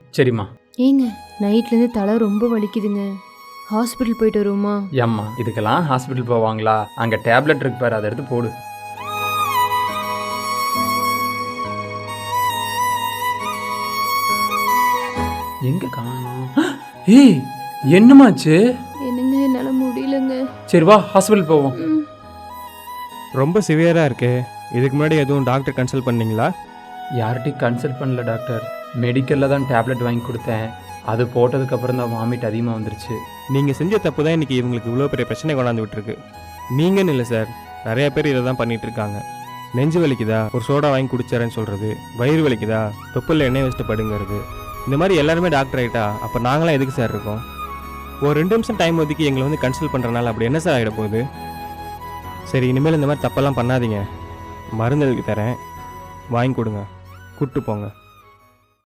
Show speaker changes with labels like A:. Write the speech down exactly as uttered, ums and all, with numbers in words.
A: சரிம்மா.
B: ஏங்க நைட்லேருந்து தலை ரொம்ப வலிக்குதுங்க, ஹாஸ்பிட்டல் போயிட்டு வருவோமா?
A: ஏம்மா இதுக்கெல்லாம் ஹாஸ்பிட்டல் போவாங்களா? அங்கே டேப்லெட் இருக்கு பாரு, அதை எடுத்து போடு. எங்க காணோம்? ஏய் என்னமாச்சு?
B: என்னங்க என்னால் முடியலங்க.
A: சரி வா ஹாஸ்பிட்டல் போவோம்.
B: ம்.
C: ரொம்ப சிவியராக இருக்கு. இதுக்கு முன்னாடி எதுவும் டாக்டர் கன்சல்ட் பண்ணீங்களா?
A: யார்கிட்டையும் கன்சல்ட் பண்ணல டாக்டர். மெடிக்கலில் தான் டேப்லெட் வாங்கி கொடுத்தேன். அது போட்டதுக்கப்புறம் தான் வாமிட் அதிகமாக வந்துருச்சு.
C: நீங்கள் செஞ்ச தப்பு தான் இன்றைக்கி இவங்களுக்கு இவ்வளோ பெரிய பிரச்சனை கொண்டாந்து விட்டுருக்கு. நீங்கன்னு இல்லை சார், நிறைய பேர் இதை தான் பண்ணிகிட்டு இருக்காங்க. நெஞ்சு வலிக்குதா ஒரு சோடா வாங்கி குடிச்சாரேன்னு சொல்கிறது, வயிறு வலிக்குதா தொப்புளில் எண்ணெய் வச்சுட்டு படுங்கிறது, இந்த மாதிரி எல்லாருமே டாக்டர் ஆகிட்டா அப்போ நாங்களாம் எதுக்கு சார் இருக்கோம்? ஒரு ரெண்டு நிமிஷம் டைம் ஒதுக்கி எங்களை வந்து கன்சல்ட் பண்ணுறனால அப்படி என்ன சார் ஆகிட போகுது? சரி இனிமேல் இந்த மாதிரி தப்பெல்லாம் பண்ணாதீங்க. மருந்து எழுதி தரேன், வாங்கி கொடுங்க, கூப்பிட்டு போங்க.